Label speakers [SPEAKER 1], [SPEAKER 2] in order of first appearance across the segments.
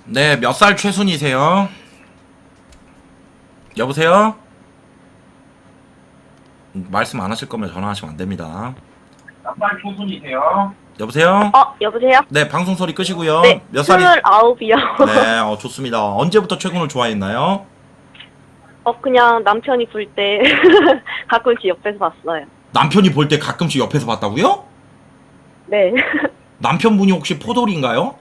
[SPEAKER 1] 네, 몇 살 최순이세요? 여보세요? 말씀 안 하실 거면 전화하시면 안 됩니다. 몇 살 최순이세요? 여보세요?
[SPEAKER 2] 여보세요?
[SPEAKER 1] 네, 방송 소리 끄시고요.
[SPEAKER 2] 네,
[SPEAKER 1] 몇 살이?
[SPEAKER 2] 29이요.
[SPEAKER 1] 네, 좋습니다. 언제부터 최군을 좋아했나요?
[SPEAKER 2] 그냥 남편이 불 때 가끔씩 옆에서 봤어요.
[SPEAKER 1] 남편이 볼 때 가끔씩 옆에서 봤다고요?
[SPEAKER 2] 네.
[SPEAKER 1] 남편분이 혹시 포돌인가요?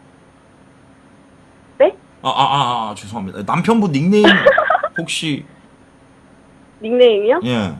[SPEAKER 2] 네?
[SPEAKER 1] 죄송합니다. 남편분 닉네임 혹시
[SPEAKER 2] 닉네임이요?
[SPEAKER 1] 예.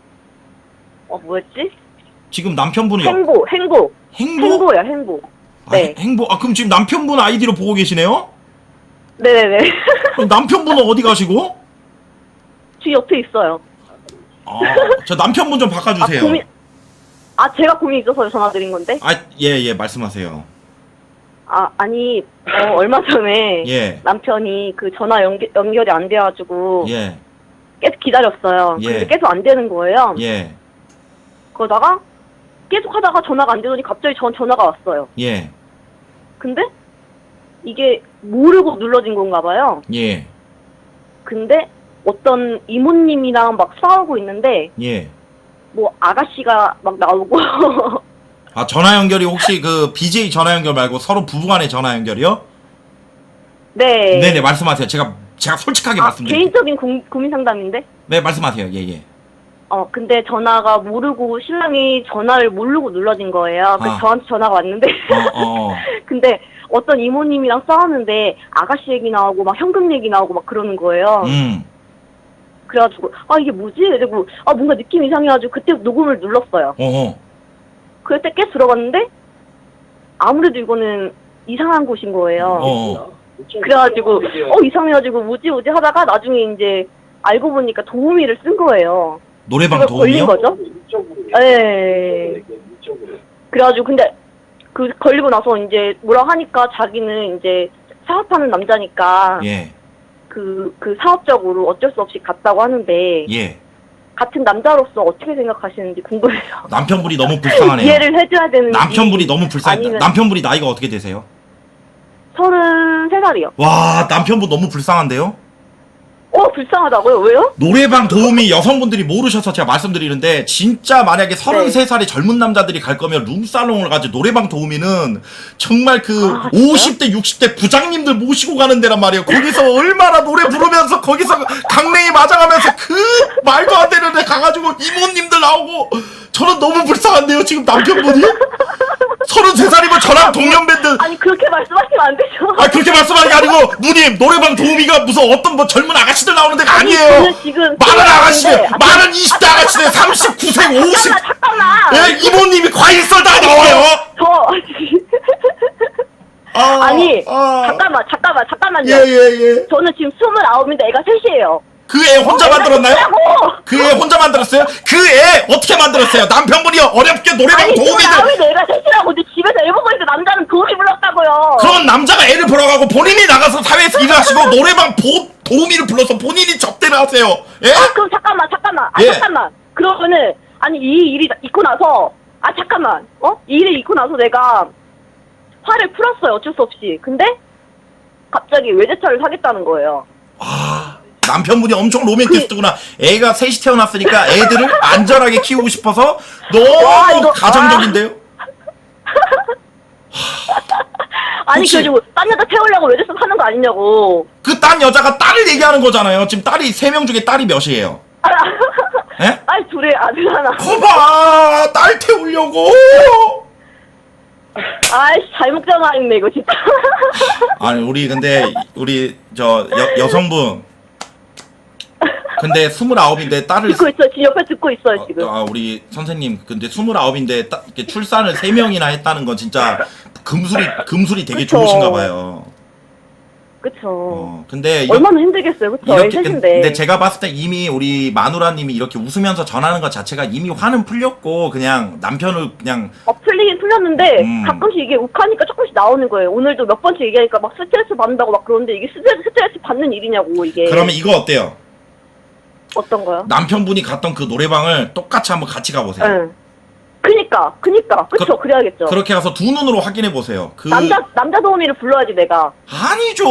[SPEAKER 2] 뭐였지?
[SPEAKER 1] 지금 남편분이
[SPEAKER 2] 행보.
[SPEAKER 1] 행보?
[SPEAKER 2] 행보요, 행보. 네.
[SPEAKER 1] 행보. 그럼 지금 남편분 아이디로 보고 계시네요?
[SPEAKER 2] 네네네.
[SPEAKER 1] 그럼 남편분은 어디 가시고?
[SPEAKER 2] 저 옆에 있어요.
[SPEAKER 1] 저 남편분 좀 바꿔주세요.
[SPEAKER 2] 제가 고민 있어서 전화드린 건데?
[SPEAKER 1] 예, 말씀하세요.
[SPEAKER 2] 아니, 얼마 전에
[SPEAKER 1] 예.
[SPEAKER 2] 남편이 그 전화 연결이 안 돼가지고
[SPEAKER 1] 예,
[SPEAKER 2] 계속 기다렸어요.
[SPEAKER 1] 예.
[SPEAKER 2] 근데 계속 안 되는 거예요.
[SPEAKER 1] 예,
[SPEAKER 2] 그러다가 계속 하다가 전화가 안 되더니 갑자기 전화가 왔어요.
[SPEAKER 1] 예,
[SPEAKER 2] 근데 이게 모르고 눌러진 건가 봐요.
[SPEAKER 1] 예,
[SPEAKER 2] 근데 어떤 이모님이랑 막 싸우고 있는데
[SPEAKER 1] 예.
[SPEAKER 2] 뭐 아가씨가 막 나오고
[SPEAKER 1] 전화 연결이 혹시 그 BJ 전화 연결 말고 서로 부부간의 전화 연결이요?
[SPEAKER 2] 네.
[SPEAKER 1] 네네, 말씀하세요. 제가 솔직하게 말씀드릴게요.
[SPEAKER 2] 개인적인 고민 상담인데?
[SPEAKER 1] 네, 말씀하세요. 예.
[SPEAKER 2] 근데 전화가 모르고 신랑이 전화를 모르고 눌러진 거예요. 그래서 저한테 전화가 왔는데 근데 어떤 이모님이랑 싸웠는데 아가씨 얘기 나오고 막 현금 얘기 나오고 막 그러는 거예요. 그래가지고 이게 뭐지? 이러고 뭔가 느낌 이상해가지고 그때 녹음을 눌렀어요. 그때 깨 들어갔는데 아무래도 이거는 이상한 곳인 거예요. 그래가지고 이상해가지고 뭐지 하다가 나중에 이제 알고 보니까 도우미를 쓴 거예요.
[SPEAKER 1] 노래방 도우미요?
[SPEAKER 2] 걸린 거죠? 네. 그래가지고 근데 그 걸리고 나서 이제 뭐라 하니까 자기는 이제 사업하는 남자니까
[SPEAKER 1] 예,
[SPEAKER 2] 그 사업적으로 어쩔 수 없이 갔다고 하는데
[SPEAKER 1] 예.
[SPEAKER 2] 같은 남자로서 어떻게 생각하시는지 궁금해서
[SPEAKER 1] 남편분이 너무 불쌍하네요.
[SPEAKER 2] 이해를 해줘야 되는지.
[SPEAKER 1] 남편분이 너무 불쌍해.
[SPEAKER 2] 아니면-
[SPEAKER 1] 남편분이 나이가 어떻게 되세요?
[SPEAKER 2] 33살이요.
[SPEAKER 1] 와, 남편분 너무 불쌍한데요?
[SPEAKER 2] 불쌍하다고요? 왜요?
[SPEAKER 1] 노래방 도우미 여성분들이 모르셔서 제가 말씀드리는데, 진짜 만약에 33살의 젊은 남자들이 갈 거면 룸살롱을 가지, 노래방 도우미는 정말 그
[SPEAKER 2] 진짜요?
[SPEAKER 1] 50대 60대 부장님들 모시고 가는 데란 말이에요. 거기서 얼마나 노래 부르면서 거기서 강냉이 맞아가면서 그 말도 안 되는 데 가가지고 이모님들 나오고. 저는 너무 불쌍한데요, 지금 남편분이? 33살이면 저랑 동년배인데.
[SPEAKER 2] 아니 그렇게 말씀하시면 안 되죠.
[SPEAKER 1] 그렇게 말씀하는 게 아니고, 누님, 노래방 도우미가 무슨 어떤 뭐 젊은 아가씨들 나오는 데가 아니에요.
[SPEAKER 2] 저는 지금
[SPEAKER 1] 많은 아가씨들,
[SPEAKER 2] 생각하는데-
[SPEAKER 1] 많은 20대 아가씨들, 39세, 50.
[SPEAKER 2] 잠깐만.
[SPEAKER 1] 예, 이모님이 과일 썰다가 나와요.
[SPEAKER 2] 아니 잠깐만요.
[SPEAKER 1] 예.
[SPEAKER 2] 저는 지금 29인데 애가 셋이에요.
[SPEAKER 1] 그 애 혼자 만들었나요?
[SPEAKER 2] 뭐라고?
[SPEAKER 1] 그 애 혼자 만들었어요? 그 애 어떻게 만들었어요? 남편분이 어렵게 노래방
[SPEAKER 2] 아니
[SPEAKER 1] 도우미들.
[SPEAKER 2] 29인데 애가 셋이라고. 근데 집에서 애 보고 있는데 남자는 도우미 불렀다고요.
[SPEAKER 1] 그럼 남자가 애를 보러 가고 본인이 나가서 사회에서 일을 하시고 노래방 도우미를 불러서 본인이 접대를 하세요. 예?
[SPEAKER 2] 그럼 잠깐만.
[SPEAKER 1] 예.
[SPEAKER 2] 잠깐만. 그러면은 아니 이 일이 있고 나서 잠깐만. 이 일이 있고 나서 내가 화를 풀었어요. 어쩔 수 없이. 근데 갑자기 외제차를 사겠다는 거예요.
[SPEAKER 1] 남편분이 엄청 로맨티스트구나. 애가 셋이 태어났으니까 애들을 안전하게 키우고 싶어서 너무 가정적인데요?
[SPEAKER 2] 아니
[SPEAKER 1] 혹시-
[SPEAKER 2] 그래가지고 딴 여자 태우려고 외제차 사는 거 아니냐고.
[SPEAKER 1] 그 딴 여자가 딸을 얘기하는 거잖아요. 지금 딸이 3명 중에 딸이 몇이에요? 예?
[SPEAKER 2] 아니 둘에 아들 하나.
[SPEAKER 1] 거봐, 딸 태우려고.
[SPEAKER 2] 아이씨 잘못 전화했네 이거 진짜.
[SPEAKER 1] 아니 우리 저 여성분. 근데 29인데 딸을
[SPEAKER 2] 듣고 있어. 지금 옆에 듣고 있어요 지금.
[SPEAKER 1] 우리 선생님, 근데 29인데 이렇게 출산을 3명이나 했다는 건 진짜 금술이 되게
[SPEAKER 2] 그쵸.
[SPEAKER 1] 좋으신가 봐요.
[SPEAKER 2] 그쵸.
[SPEAKER 1] 근데
[SPEAKER 2] 얼마나 힘들겠어요, 그쵸? 애 셋인데.
[SPEAKER 1] 근데 제가 봤을 때 이미 우리 마누라님이 이렇게 웃으면서 전하는 것 자체가 이미 화는 풀렸고, 그냥 남편을 그냥
[SPEAKER 2] 풀리긴 풀렸는데 가끔씩 이게 욱하니까 조금씩 나오는 거예요. 오늘도 몇 번째 얘기하니까 막 스트레스 받는다고 막 그러는데 이게 스트레스 받는 일이냐고 이게.
[SPEAKER 1] 그러면 이거 어때요?
[SPEAKER 2] 어떤 거요?
[SPEAKER 1] 남편분이 갔던 그 노래방을 똑같이 한번 같이 가보세요.
[SPEAKER 2] 응. 그니까, 그쵸, 그래야겠죠.
[SPEAKER 1] 그렇게 가서 두 눈으로 확인해 보세요. 그
[SPEAKER 2] 남자 도우미를 불러야지, 내가.
[SPEAKER 1] 아니죠.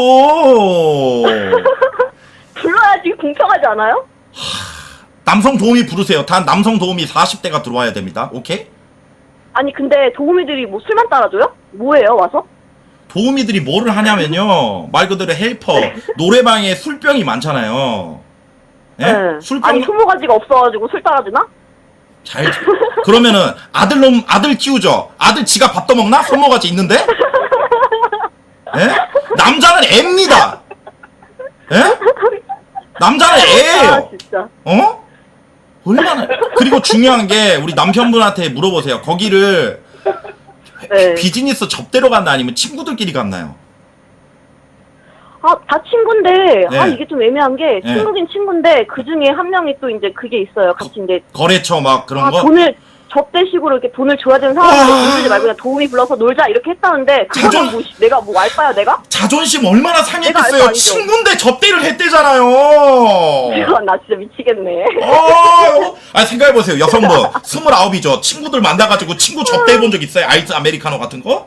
[SPEAKER 2] 불러야지 공평하지 않아요?
[SPEAKER 1] 남성 도우미 부르세요. 단 남성 도우미 40대가 들어와야 됩니다. 오케이?
[SPEAKER 2] 아니, 근데 도우미들이 뭐 술만 따라줘요? 뭐예요, 와서?
[SPEAKER 1] 도우미들이 뭐를 하냐면요. 말 그대로 헬퍼. 노래방에 술병이 많잖아요. 예?
[SPEAKER 2] 네.
[SPEAKER 1] 술병
[SPEAKER 2] 아니, 소모가지가 없어가지고 술 따라주나?
[SPEAKER 1] 잘 그러면은 아들 키우죠. 아들 지가 밥 떠먹나? 손모가지 있는데? 예? 남자는 애입니다. 예? 남자는 애예요.
[SPEAKER 2] 아, 진짜.
[SPEAKER 1] 어? 얼마나 그리고 중요한 게 우리 남편분한테 물어보세요. 거기를
[SPEAKER 2] 네.
[SPEAKER 1] 비즈니스 접대로 갔나 아니면 친구들끼리 갔나요?
[SPEAKER 2] 아, 다 친구인데,
[SPEAKER 1] 네.
[SPEAKER 2] 아, 이게 좀 애매한 게,
[SPEAKER 1] 네.
[SPEAKER 2] 친구긴 친구인데, 그 중에 한 명이 또 이제 그게 있어요. 같이 이제,
[SPEAKER 1] 거래처 막 그런
[SPEAKER 2] 아,
[SPEAKER 1] 거?
[SPEAKER 2] 돈을, 접대식으로 이렇게 돈을 줘야 되는 상황인데,
[SPEAKER 1] 와.
[SPEAKER 2] 돈 주지 말고 그냥 도우미 불러서 놀자, 이렇게 했다는데, 그거는
[SPEAKER 1] 자존-
[SPEAKER 2] 뭐, 내가 뭐 알바야, 내가?
[SPEAKER 1] 자존심 얼마나
[SPEAKER 2] 내가
[SPEAKER 1] 상했겠어요.
[SPEAKER 2] 알바 아니죠.
[SPEAKER 1] 친구인데 접대를 했대잖아요.
[SPEAKER 2] 나 진짜 미치겠네.
[SPEAKER 1] 아 생각해보세요. 여성분 29이죠. 친구들 만나가지고 친구 접대해본 적 있어요? 아이스 아메리카노 같은 거?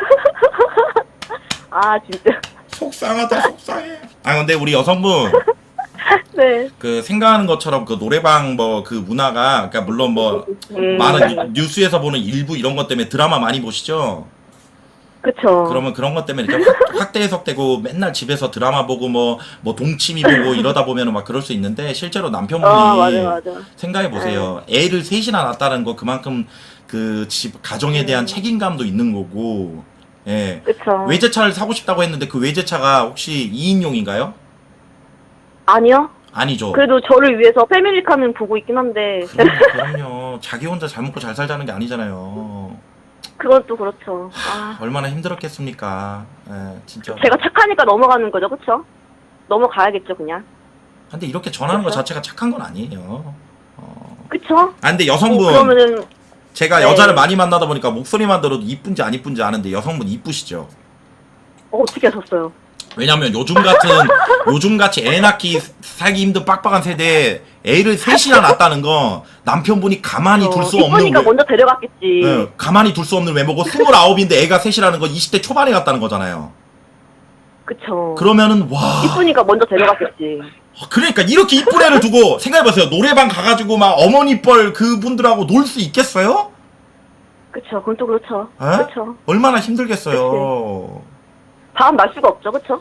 [SPEAKER 2] 아, 진짜.
[SPEAKER 1] 속상하다 속상해. 아 근데 우리 여성분
[SPEAKER 2] 네.
[SPEAKER 1] 그 생각하는 것처럼 그 노래방 뭐 그 문화가 그러니까 물론 뭐 많은 뉴스에서 보는 일부 이런 것 때문에 드라마 많이 보시죠?
[SPEAKER 2] 그쵸.
[SPEAKER 1] 그러면 그런 것 때문에 이렇게 확대 해석되고 맨날 집에서 드라마 보고 뭐 동치미 보고 이러다 보면은 막 그럴 수 있는데 실제로 남편분이
[SPEAKER 2] 맞아.
[SPEAKER 1] 생각해 보세요. 애를 셋이나 낳았다는 거 그만큼 그 집 가정에 대한 책임감도 있는 거고. 예.
[SPEAKER 2] 그쵸.
[SPEAKER 1] 외제차를 사고 싶다고 했는데 그 외제차가 혹시 2인용인가요?
[SPEAKER 2] 아니요.
[SPEAKER 1] 아니죠.
[SPEAKER 2] 그래도 저를 위해서 패밀리카는 보고 있긴 한데,
[SPEAKER 1] 그럼요. 자기 혼자 잘 먹고 잘 살자는 게 아니잖아요.
[SPEAKER 2] 그건 또 그렇죠. 아,
[SPEAKER 1] 얼마나 힘들었겠습니까. 예, 진짜.
[SPEAKER 2] 제가 착하니까 넘어가는 거죠, 그쵸? 넘어가야겠죠, 그냥.
[SPEAKER 1] 근데 이렇게 전하는 것
[SPEAKER 2] 그쵸?
[SPEAKER 1] 자체가 착한 건 아니에요.
[SPEAKER 2] 그쵸?
[SPEAKER 1] 아 근데 여성분
[SPEAKER 2] 그러면은,
[SPEAKER 1] 제가
[SPEAKER 2] 네.
[SPEAKER 1] 여자를 많이 만나다 보니까 목소리만 들어도 이쁜지 안 이쁜지 아는데 여성분 이쁘시죠?
[SPEAKER 2] 어떻게 하셨어요?
[SPEAKER 1] 왜냐면 요즘같이 애 낳기 살기 힘든 빡빡한 세대에 애를 셋이나 낳았다는 거 남편분이 가만히 둘 수 없는
[SPEAKER 2] 이쁘니까 먼저 데려갔겠지.
[SPEAKER 1] 예, 가만히 둘 수 없는 외모고 29인데 애가 셋이라는 거 20대 초반에 갔다는 거잖아요.
[SPEAKER 2] 그쵸.
[SPEAKER 1] 그러면은 와
[SPEAKER 2] 이쁘니까 먼저 데려갔겠지.
[SPEAKER 1] 그러니까 이렇게 이쁜 애를 두고 생각해보세요. 노래방 가가지고 막 어머니 뻘 그분들하고 놀 수 있겠어요?
[SPEAKER 2] 그쵸, 그건 또 그렇죠.
[SPEAKER 1] 에?
[SPEAKER 2] 그쵸.
[SPEAKER 1] 얼마나 힘들겠어요.
[SPEAKER 2] 다음 날 수가 없죠, 그쵸?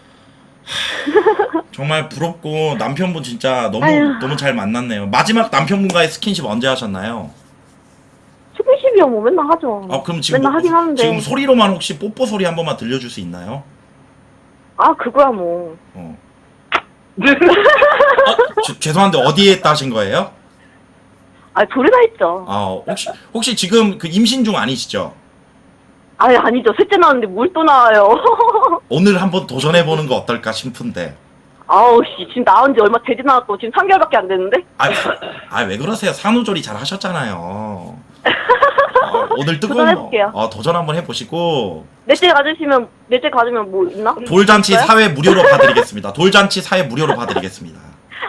[SPEAKER 1] 정말 부럽고 남편분 진짜
[SPEAKER 2] 아유.
[SPEAKER 1] 너무 잘 만났네요. 마지막 남편분과의 스킨십 언제 하셨나요?
[SPEAKER 2] 스킨십이요, 뭐 맨날 하죠.
[SPEAKER 1] 그럼 지금
[SPEAKER 2] 맨날 하긴 하는데.
[SPEAKER 1] 지금 소리로만 혹시 뽀뽀 소리 한 번만 들려줄 수 있나요?
[SPEAKER 2] 아, 그거야 뭐.
[SPEAKER 1] 죄송한데 어디에 따신 거예요?
[SPEAKER 2] 아, 둘이 다 했죠.
[SPEAKER 1] 혹시 지금 그 임신 중 아니시죠?
[SPEAKER 2] 아니, 아니죠. 셋째 나왔는데 뭘 또 나와요.
[SPEAKER 1] 오늘 한번 도전해보는 거 어떨까 싶은데.
[SPEAKER 2] 아우, 씨. 지금 나온 지 얼마 되지 않았고, 지금 3개월밖에 안 됐는데?
[SPEAKER 1] 왜 그러세요? 산후조리 잘 하셨잖아요. 오늘 뜨거운
[SPEAKER 2] 도전해볼게요.
[SPEAKER 1] 도전 한번 해보시고.
[SPEAKER 2] 넷째 가지면 뭐 있나?
[SPEAKER 1] 돌잔치
[SPEAKER 2] 있어요?
[SPEAKER 1] 사회 무료로 봐드리겠습니다. 돌잔치 사회 무료로 봐드리겠습니다.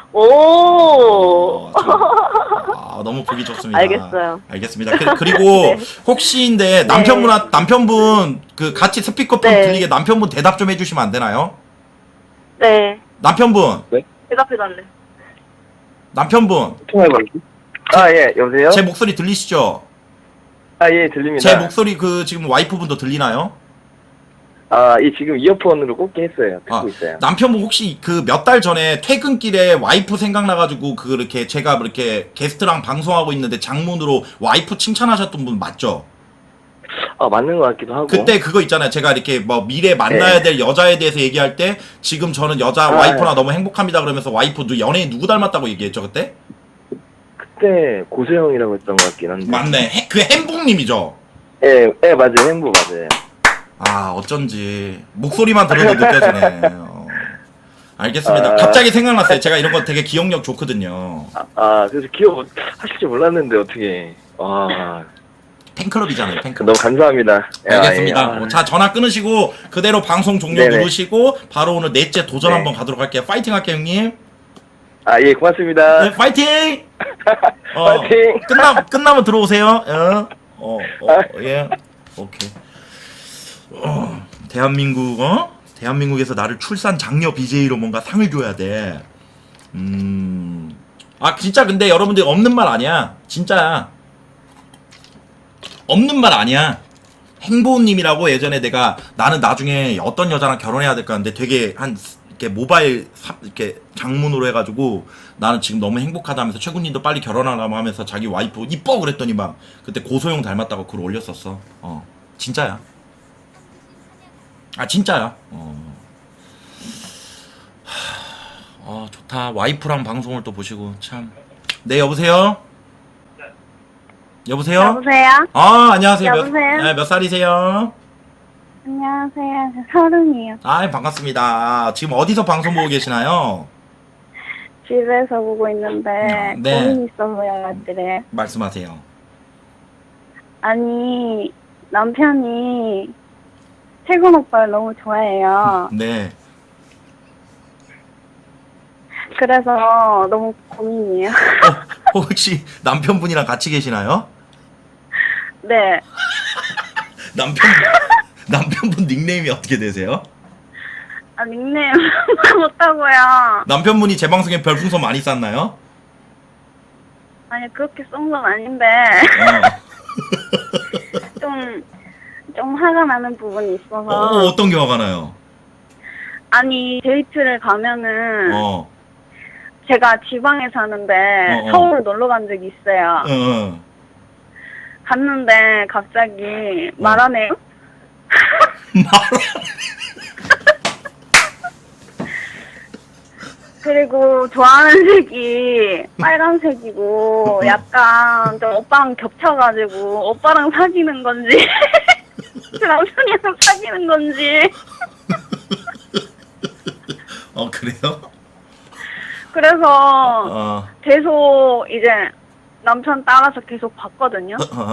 [SPEAKER 2] 오.
[SPEAKER 1] 너무 보기 좋습니다.
[SPEAKER 2] 알겠어요.
[SPEAKER 1] 알겠습니다. 그리고
[SPEAKER 2] 네.
[SPEAKER 1] 혹시인데 남편분 그 같이 스피커폰
[SPEAKER 2] 네.
[SPEAKER 1] 들리게 남편분 대답 좀 해주시면 안 되나요?
[SPEAKER 2] 네.
[SPEAKER 1] 남편분
[SPEAKER 2] 대답해달래.
[SPEAKER 1] 남편분
[SPEAKER 3] 통화해봐야지. 예, 여보세요?
[SPEAKER 1] 제 목소리 들리시죠?
[SPEAKER 3] 예, 들립니다.
[SPEAKER 1] 제 목소리 그 지금 와이프분도 들리나요?
[SPEAKER 3] 예, 지금 이어폰으로 꽂게 했어요. 듣고 있어요.
[SPEAKER 1] 남편분 혹시 그 몇 달 전에 퇴근길에 와이프 생각나가지고 그렇게 제가 이렇게 게스트랑 방송하고 있는데 장문으로 와이프 칭찬하셨던 분 맞죠?
[SPEAKER 3] 맞는 것 같기도 하고.
[SPEAKER 1] 그때 그거 있잖아요. 제가 이렇게 뭐 미래 만나야 될 여자에 대해서 얘기할 때 지금 저는 여자 와이프나 너무 행복합니다 그러면서 와이프 연예인 누구 닮았다고 얘기했죠 그때?
[SPEAKER 3] 그때 고소영이라고 했던 것 같긴 한데.
[SPEAKER 1] 맞네. 그 행복님이죠.
[SPEAKER 3] 예, 맞아요. 행보 맞아요.
[SPEAKER 1] 어쩐지 목소리만 들어도 느껴지네. 알겠습니다. 갑자기 생각났어요. 제가 이런 거 되게 기억력 좋거든요.
[SPEAKER 3] 그래서 기억하실 줄 몰랐는데 어떻게.
[SPEAKER 1] 팬클럽이잖아요. 팬클럽.
[SPEAKER 3] 너무 감사합니다.
[SPEAKER 1] 알겠습니다. 자, 전화 끊으시고 그대로 방송 종료
[SPEAKER 3] 네네.
[SPEAKER 1] 누르시고 바로 오늘 넷째 도전
[SPEAKER 3] 네.
[SPEAKER 1] 한번 가도록 할게요. 파이팅 할게요, 형님.
[SPEAKER 3] 예, 고맙습니다.
[SPEAKER 1] 네, 파이팅!
[SPEAKER 3] 파이팅!
[SPEAKER 1] 끝나면 들어오세요. 예. 오케이. 대한민국에서 나를 출산 장려 BJ로 뭔가 상을 줘야 돼. 아, 진짜 근데 여러분들 없는 말 아니야. 진짜야. 없는 말 아니야. 행보님이라고 예전에 나는 나중에 어떤 여자랑 결혼해야 될까 하는데 되게 이렇게 모바일 이렇게 장문으로 해가지고 나는 지금 너무 행복하다면서 최군님도 빨리 결혼하라고 하면서 자기 와이프 이뻐 그랬더니 막 그때 고소영 닮았다고 글 올렸었어. 진짜야. 아, 진짜야. 좋다. 와이프랑 방송을 또 보시고 참. 네, 여보세요? 여보세요?
[SPEAKER 2] 여보세요?
[SPEAKER 1] 안녕하세요.
[SPEAKER 2] 여보세요?
[SPEAKER 1] 몇 살이세요?
[SPEAKER 2] 안녕하세요. 저 30이요.
[SPEAKER 1] 반갑습니다. 지금 어디서 방송 보고 계시나요?
[SPEAKER 2] 집에서 보고 있는데
[SPEAKER 1] 네.
[SPEAKER 2] 고민이 있어서 연락드려요.
[SPEAKER 1] 말씀하세요.
[SPEAKER 2] 아니, 남편이 태군 오빠를 너무 좋아해요.
[SPEAKER 1] 네.
[SPEAKER 2] 그래서 너무 고민이에요.
[SPEAKER 1] 혹시 남편분이랑 같이 계시나요?
[SPEAKER 2] 네.
[SPEAKER 1] 남편분 닉네임이 어떻게 되세요?
[SPEAKER 2] 아, 닉네임 못하고요.
[SPEAKER 1] 남편분이 제 방송에 별풍선 많이 쐈나요?
[SPEAKER 2] 아니, 그렇게 쏜 건 아닌데 좀 화가 나는 부분이 있어서.
[SPEAKER 1] 어떤 게 화가 나요?
[SPEAKER 2] 아니, 데이트를 가면은
[SPEAKER 1] 어.
[SPEAKER 2] 제가 지방에 사는데 서울 놀러 간 적이 있어요. 갔는데 갑자기 말하네요. 그리고 좋아하는 색이 빨간색이고 약간 좀 오빠랑 겹쳐가지고 오빠랑 사귀는 건지 그 남편이랑 사귀는 건지.
[SPEAKER 1] 그래요?
[SPEAKER 2] 그래서 계속 이제 남편 따라서 계속 봤거든요.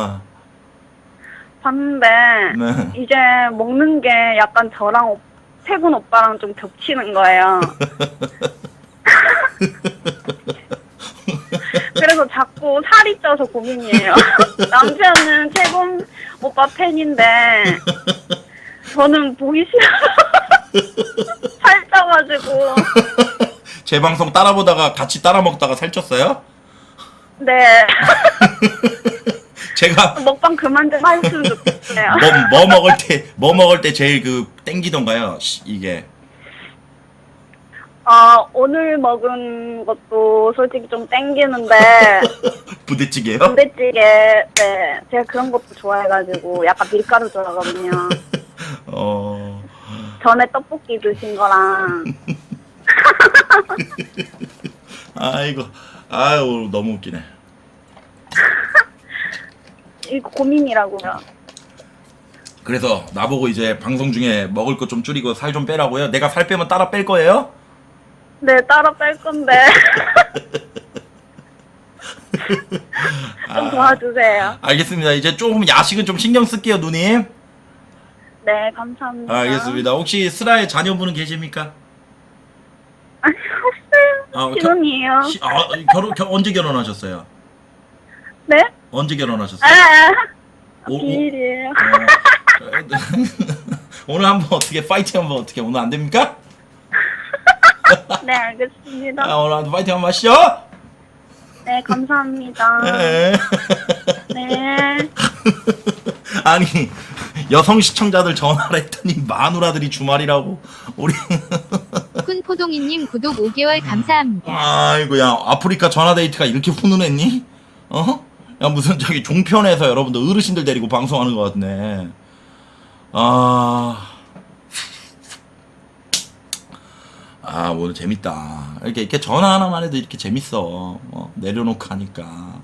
[SPEAKER 2] 봤는데
[SPEAKER 1] 네.
[SPEAKER 2] 이제 먹는 게 약간 저랑 태군 오빠랑 좀 겹치는 거예요. 그래서 자꾸 살이 쪄서 고민이에요. 남편은 태군 오빠 팬인데 저는 보기 싫어. 살 쪄가지고.
[SPEAKER 1] 제 방송 따라보다가 같이 따라 먹다가 살쪘어요?
[SPEAKER 2] 네.
[SPEAKER 1] 제가
[SPEAKER 2] 먹방 그만 좀 하셨으면 좋겠어요.
[SPEAKER 1] 뭐 먹을 때 제일 땡기던가요? 이게.
[SPEAKER 2] 오늘 먹은 것도 솔직히 좀 땡기는데.
[SPEAKER 1] 부대찌개요?
[SPEAKER 2] 부대찌개, 네. 제가 그런 것도 좋아해가지고 약간 밀가루 좋아하거든요. 전에 떡볶이 드신 거랑.
[SPEAKER 1] 아유, 너무 웃기네.
[SPEAKER 2] 이거 고민이라고요.
[SPEAKER 1] 그래서 나보고 이제 방송 중에 먹을 거 좀 줄이고 살 좀 빼라고요? 내가 살 빼면 따라 뺄 거예요?
[SPEAKER 2] 네, 따로 뺄 건데. 좀 도와주세요.
[SPEAKER 1] 알겠습니다. 이제 조금 야식은 좀 신경 쓸게요, 누님.
[SPEAKER 2] 네, 감사합니다.
[SPEAKER 1] 알겠습니다. 혹시 슬아의 자녀분은 계십니까?
[SPEAKER 2] 아니, 없어요. 신혼이에요.
[SPEAKER 1] 언제 결혼하셨어요?
[SPEAKER 2] 네?
[SPEAKER 1] 언제 결혼하셨어요?
[SPEAKER 2] 비밀이에요.
[SPEAKER 1] 오늘 한번 어떻게 파이팅 한번 어떻게 오늘 안 됩니까?
[SPEAKER 2] 네, 알겠습니다.
[SPEAKER 1] 오늘 한번 파이팅 한번 하시죠.
[SPEAKER 2] 네, 감사합니다.
[SPEAKER 1] 네.
[SPEAKER 2] 네.
[SPEAKER 1] 아니 여성 시청자들 전화를 했더니 마누라들이 주말이라고 우리.
[SPEAKER 4] 쿤포동이님 구독 5개월 감사합니다.
[SPEAKER 1] 아이고야, 아프리카 전화데이트가 이렇게 훈훈했니? 야, 무슨 저기 종편에서 여러분들 어르신들 데리고 방송하는 것 같네. 오늘 재밌다. 이렇게 전화 하나만 해도 이렇게 재밌어. 내려놓고 하니까.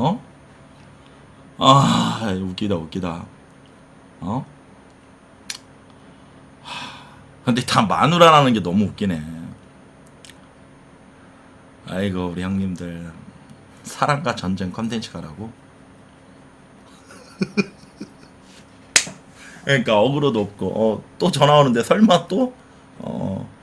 [SPEAKER 1] 웃기다. 근데 다 마누라라는 게 너무 웃기네. 아이고, 우리 형님들. 사랑과 전쟁 컨텐츠가라고? 그러니까 어그로도 없고 또 전화 오는데 설마 또?